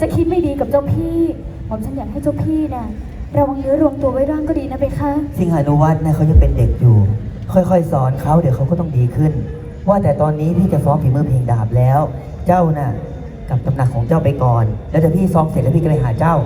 จะคิดไม่ดีกับเจ้าพี่ผมฉันอยากให้เจ้าพี่น่ะระวังเนื้อรวมตัวไว้ร่างก็ดีนะเบคะสิงหานุวัฒน์นะเขายังเป็นเด็กอยู่ ค่อยๆสอนเขาเดี๋ยวเขาก็ต้องดีขึ้น ว่าแต่ตอนนี้พี่จะซ้อมฝีมือเพลงดาบแล้ว เจ้าน่ะกลับตำหนักของเจ้าไปก่อน แล้วเดี๋ยวพี่ซ้อมเสร็จแล้วพี่ก็ไปหาเจ้า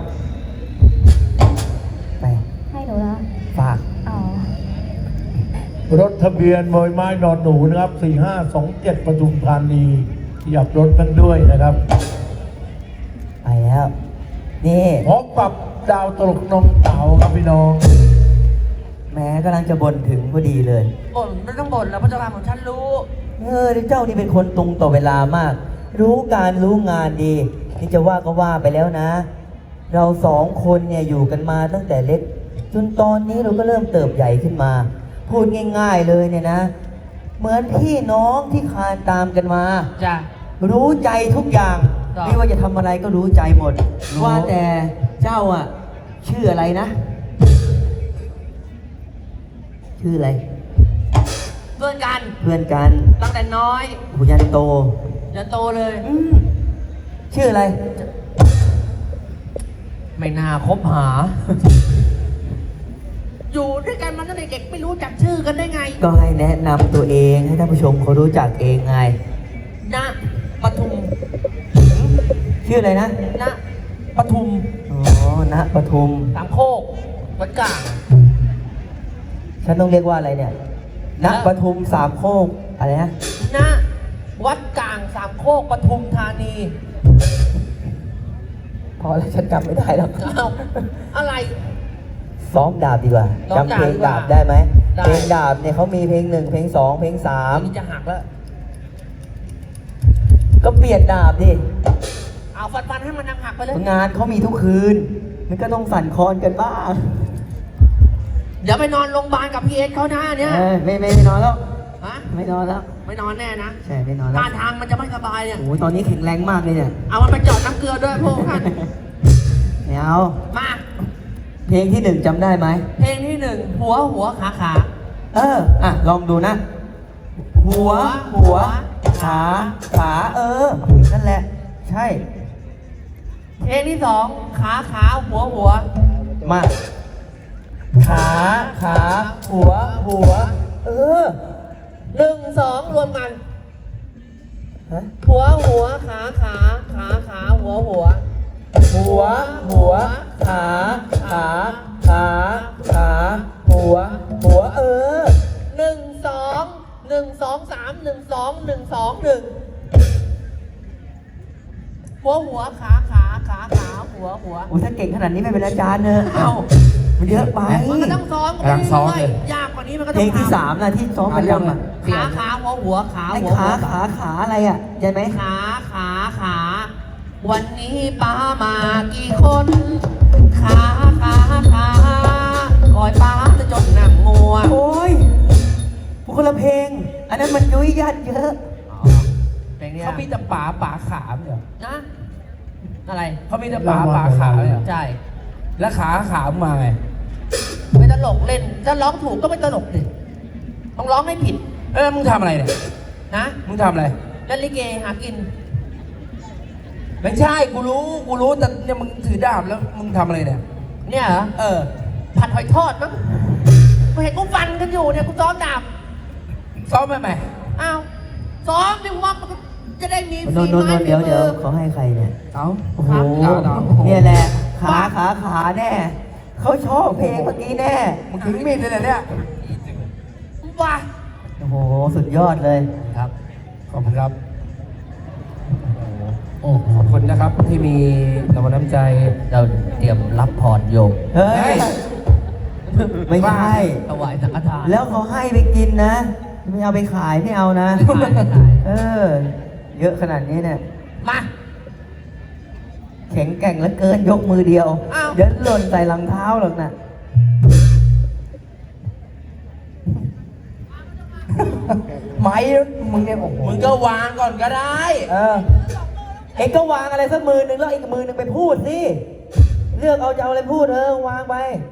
ไปให้หนูละฝากอ๋อรถทะเบียนบอยไม้นอนหนูนะครับ4527ปทุมธานีขยับรถกันด้วยนะครับไปแล้ว นี่พบกับดาวตลกนมเต๋าครับพี่น้องแม้กำลังจะบ่นถึงพอดีเลยบ่นไม่ต้องบ่นแล้วพระเจ้าค่ะผมฉันรู้เจ้านี่เป็นคนตรงต่อเวลามาก รู้การรู้งานดีที่จะว่าก็ว่าไปแล้วนะ เราสองคนเนี่ยอยู่กันมาตั้งแต่เล็ก จนตอนนี้เราก็เริ่มเติบใหญ่ขึ้นมา พูดง่ายๆเลยเนี่ยนะ เหมือนพี่น้องที่คลานตามกันมาจ้ะรู้ใจทุกอย่างครับไม่ว่าจะทำอะไรก็รู้ใจหมด ว่าแต่เจ้าอ่ะ ชื่ออะไรนะ ชื่ออะไรเพื่อนกันเพื่อนกันตั้งแต่น้อยหูยันโตจนโตเลยชื่ออะไรไม่น่าคบหา อยู่ด้วยกันมาตั้งแต่เด็กไม่รู้จักชื่อกันได้ไงก็ให้แนะนำตัวเองให้ท่านผู้ชมเขารู้จักเองไงณปทุมชื่ออะไรนะณปทุมอ๋อ ณ ปทุมสามโคกวัดกลางฉันต้องเรียกว่าอะไรเนี่ย ณ ปทุมสามโคก อะไรนะณวัดกลางสามโคกปทุมธานีพอแล้วฉันจำไม่ได้แล้วเอ้าอะไรซ้อมดาบดีกว่าซ้อมจำเพลงดาดาบบ ดีกว่าได้ไหมได้เพลงดาบเนี่ยเขามีเพลงหนึ่งเพลงสองเพลงสามนี่จะหักแล้วก็เปลี่ยนดาบดิเอาฟันให้มันหักไปเลยงานเขามีทุกคืน มันก็ต้องสั่นคลอนกันบ้างเดี๋ยวไปนอนโรงพยาบาลกับพี่เอสเขานะเนี่ยไม่นอนแล้วฮะไม่นอนแล้วไม่นอนแน่นะใช่ไม่นอนแล้วท่าทางมันจะไม่สบายเนี่ยโอ้ยตอนนี้แข็งแรงมากเลยเนี่ยเอามันไปเจอดน้ำเกลือด้วยพวกท่านไม่เอามาเพลงที่หนึ่งจำได้ไหมเพลงที่หนึ่งหัวขาลองดูนะ หัวขานั่นแหละ ใช่เพลงที่สองขาหัวมา ขาหัวหนึ่งสองรวมกันฮะหัวขาหัวหัว ขาหัวหนึ่งสองสามหนึ่งหัวขาหัวโอ้ยถ้าเก่งขนาดนี้ไม่เป็นอาจารย์เนอะเอ้ามันเยอะไปมันก็ต้องซ้อมกำลังซ้อมเลยยากกว่านี้มันก็เพต้ลองงที่สามนะที่ซ้อมประจำอ่ะขาหัวไอ้ขาอะไรอ่ะใช่ไหมขาวันนี้ป้ามากี่คนขาคอยป้าจะจนหนังงัวโอ้ยคนละเพลง อันนั้นมันยุ้ยยัดเยอะเพลงนี้เขามีแต่ป่าขาเหรอนะอะไรเขามีแต่ป่าขาเลยเหรอใช่แล้วขามาไงไม่ตลกเล่นถ้าร้องถูกก็ไม่ตลกดิต้องร้องให้ผิดมึงทำอะไรเนี่ยนะมึงทำอะไรเล่นลิเกหากินไม่ใช่ กูรู้แต่เนี่ยมึงถือดาบแล้วมึงทำอะไรเนี่ยเนี่ยเหรอ ผัดหอยทอดมั้งกูเห็นกูฟันกันอยู่เนี่ยกูซ้อมดาบซ้อมไปไหมอ้าวซ้อมดิว่ามันจะได้มีนฝีนไม้เดี๋ยวฝีมือเขาให้ใครเนี่ยเอาโอ้โหดาบเนี่ยแหละ ขาแน่ เขาชอบเพลงเมื่อกี้แน่มึงถือมีดเลยเนี่ยว่าโอ้โห สุดยอดเลยครับ ขอบคุณครับ โอ้ขอบคุณนะครับที่มีรางวัลน้ำใจเราเตรียมรับพรโยมเฮ้ย ไม่ใช่ถวายสังฆทานแล้วเขาให้ไปกินนะ ไม่เอาไปขายไม่เอานะขายเยอะขนาดนี้เนี่ยมาแข็งแกร่งเหลือเกินยกมือเดียวอ้าวเดี๋ยวหล่นใส่รองเท้าหรอกนะไม้มึงเนี่ยโอ้โหมึงก็วางก่อนก็ได้เอ็งก็วางอะไรสักมือหนึ่งแล้วอีกมือหนึ่งไปพูดสิเลือกเอาจะเอาอะไรพูดวางไป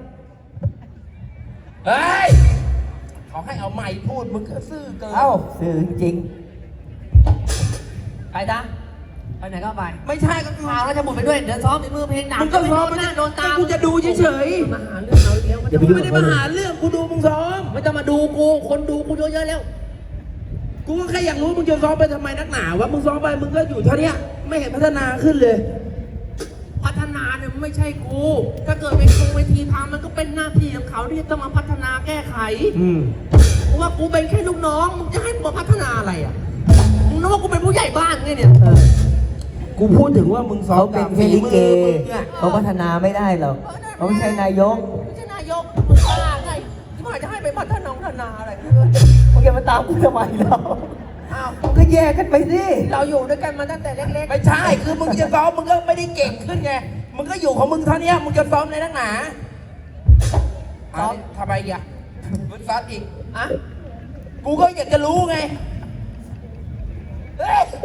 เฮ้ย เขาให้เอาไม้พูด มึงก็ซื่อเกินสื่อจริงไปจ้ะไปไปไหนก็ไปไม่ใช่ก็พาราชบุตรไปด้วย เดี๋ยวซ้อมฝีมือเพลงดังมึงก็ซ้อมไม่โดนหน้าโดนตามกูจะดูเฉยมาหาเรื่องเราอีกแล้วอย่าไปๆยุ่งไม่ได้มาหาเรื่องกูดูมึงซ้อมไม่ต้องมาดูกู คนดูกูเยอะๆแล้วกูก็แค่อยากรู้มึงจะซ้อมไปทำไมนักหนาวะมึงซ้อมไปมึงก็อยู่เท่าเนี้ยไม่เห็นพัฒนาขึ้นเลยพัฒนาเนี่ยมันไม่ใช่กู ถ้าเกิดเป็นคงเวทีพามันก็เป็นหน้าที่ของเขาที่จะต้องมาพัฒนาแก้ไข เพราะว่ากูเป็นแค่ลูกน้อง มึงจะให้กูมาพัฒนาอะไรอ่ะ มึงนึกว่ากูเป็นผู้ใหญ่บ้านไงเนี่ยกูพูดถึงว่ามึงซ้อเขามเป็นตามแค่ลิเกฝีมือมึงอะเขาพัฒนาไม่ได้หรอกเขาไม่ใช่นายกไม่ใช่นายก มึงบ้าไงที่ว่าจะให้ไปพัฒนาอะไรมึงอย่ามาตามกูทำไมเราอ้าวมึงก็แยกกันไปสิเราอยู่ด้วยกันมาตั้งแต่เล็กไม่ใช่ คือมึงจะซ้อมมึงก็ไม่ได้เก่งขึ้นไง มึงก็อยู่ของมึงเท่าเนี้ยมึงจะซ้อมในนักหนาซ้อมทำไมอ่ะมึงซ้อมอีกๆ อ่ะกูก็อยากจะรู้ไงเฮ้ย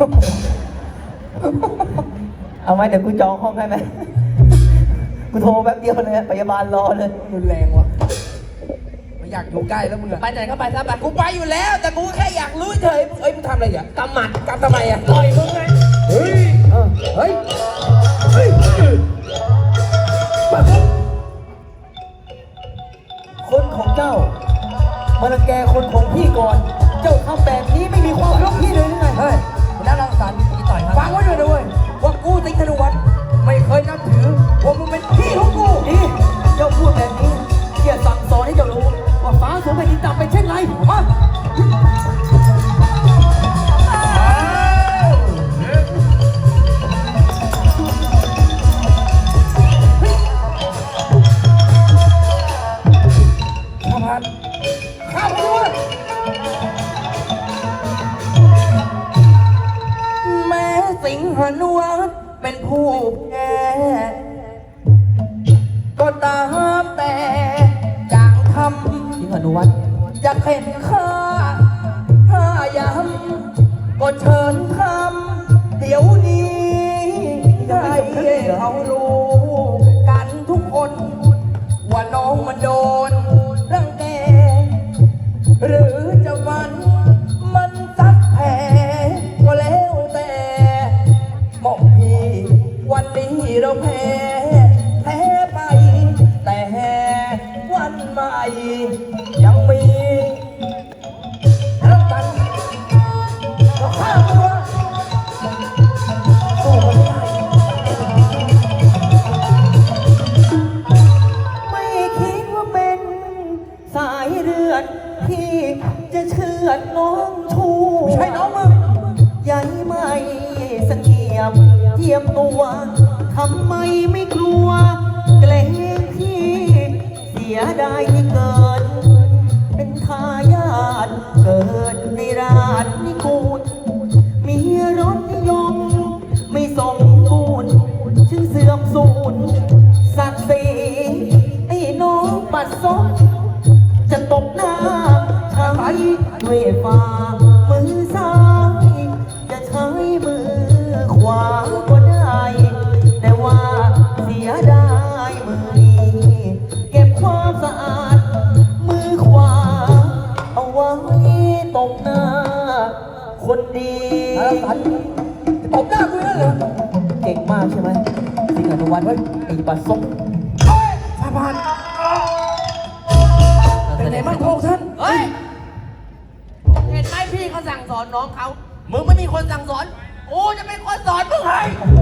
เอาไหมเดี๋ยวกูจองห้องให้ไหมกูโทรแป๊บเดียวเลยพยาบาลรอเลยรุนแรงวะไม่อยากอยู่ใกล้แล้วมึงอะไปไหนก็ไปซะไปกูไปอยู่แล้ว แต่กูแค่อยากรู้เฉยมึงมึงทำอะไรอ่ะกำหมัดกำทำไมอ่ะต่อยมึงไง เฮ้ย เฮ้ย เฮ้ยคนของเจ้ามารังแกคนของพี่ก่อน เจ้าทำแบบนี้ไม่มีความรักพี่เลยหรือไงเฮ้ยนักรังสรรค์อีต่อยฟังไว้ด้วยนะเว้ย ว่ากูติ๊กธนวัฒน์ไม่เคยนับถือว่ามึงเป็นพี่ของกูนี่เจ้าพูดแบบนี้เกียรติสั่งสอนให้เจ้ารู้ ว่าฟ้าสูงแผ่นดินต่ำเป็นเช่นไรมาข้าพันข้าพันแม้สิงหนวัตเป็นผู้แพ้ก็ตามแต่จางทสิงหานุวัฒน์ำอยากเห็นข้าถ้ายำก็เชิญทำเดี๋ยวนี้ได้เขารู้กันทุกคน ว่าน้องมันโดนรังแก หรือจะวันมันซัดแผลก็แล้วแต่หมอกพี่วันนี้เราแพ้ไป แต่วันใหม่ยังมีรักกันเราข้ามตัวสู้มันไม่ได้ไม่คิดว่าเป็นสายเลือดที่จะเชือดน้องชูไม่ใช่น้องมึงใหญ่ไม่เสงี่ยมเทียมตัวทำไมไม่กลัว เกรงพี่เสียดายที่เกิด เป็นทายาทเกิดในราชนิกูลมีรสนิยมไม่สมบูรณ์ชื่อเสื่อมสูญศักดิ์ศรีไอ้น้องปัดซบจะตบหน้าใช้ด้วยฝ่ามือซ้ายจะใช้มือขวาก็ได้ แต่ว่าเสียดายมือนี้เก็บความสะอาดมือขวาเอาไว้ตบหน้าคนดีตบหน้ากูนั่นเหรอเก่งมากใช่ไหมสิงหานุวัฒน์ไอ้ปัดซบสาบานเป็นไงบ้างพวกท่านเฮ้ย เห็นไหมพี่เขาสั่งสอนน้องเขา มึงไม่มีคนสั่งสอน กูจะเป็นคนสอนมึงให้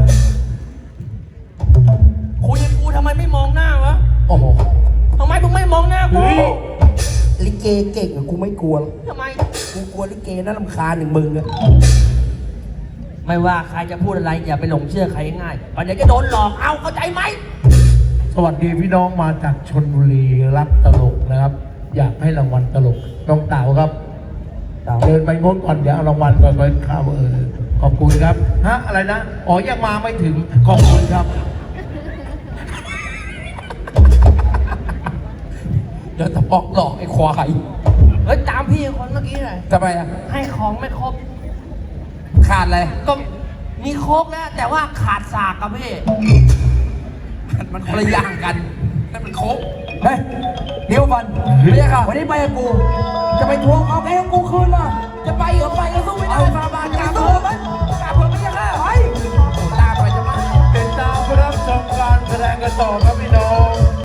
คุยกับกูทำไมไม่มองหน้าวะโอ้โหทำไมมึงไม่มองหน้ากูลิเกเก่งอะกูไม่กลัวหรอกทำไมกูกลัวลิเกน่ารำคาญอย่างมึงอะไม่ว่าใครจะพูดอะไรอย่าไปหลงเชื่อใครง่ายๆวันเดี๋ยวจะโดนหลอกเอาเข้าใจไหมสวัสดีพี่น้องมาจากชนบุรีรักตลกนะครับ อยากให้รางวัลตลกน้องเต๋าครับเดินไปงดก่อนเดี๋ยวเอารางวัลก่อนไปข้าวขอบคุณครับฮะอะไรนะอ๋อยังมาไม่ถึงขอบคุณครับเดี๋ยวตะปอกหลอกไอ้ควายเฮ้ยตามพี่คนเมื่อกี้เลยทำไมอะให้ของไม่ครบขาดอะไรก็มีโค้กแล้วแต่ว่าขาดสากกับพี่มันคนละอย่างกันนั่นมันโคกเฮ้ยเดี๋ยวฟันไม่ใช่ค่ะวันนี้ไปกับกู จะไปทวงเอาแกของกูคืนล่ะ จะไปเหรอไปก็สู้ไม่ได้ฟาบานกาเพิ่มไหมกาเพิ่มไม่ใช่ค่ะไปแสดงกันต่อครับพี่น้อง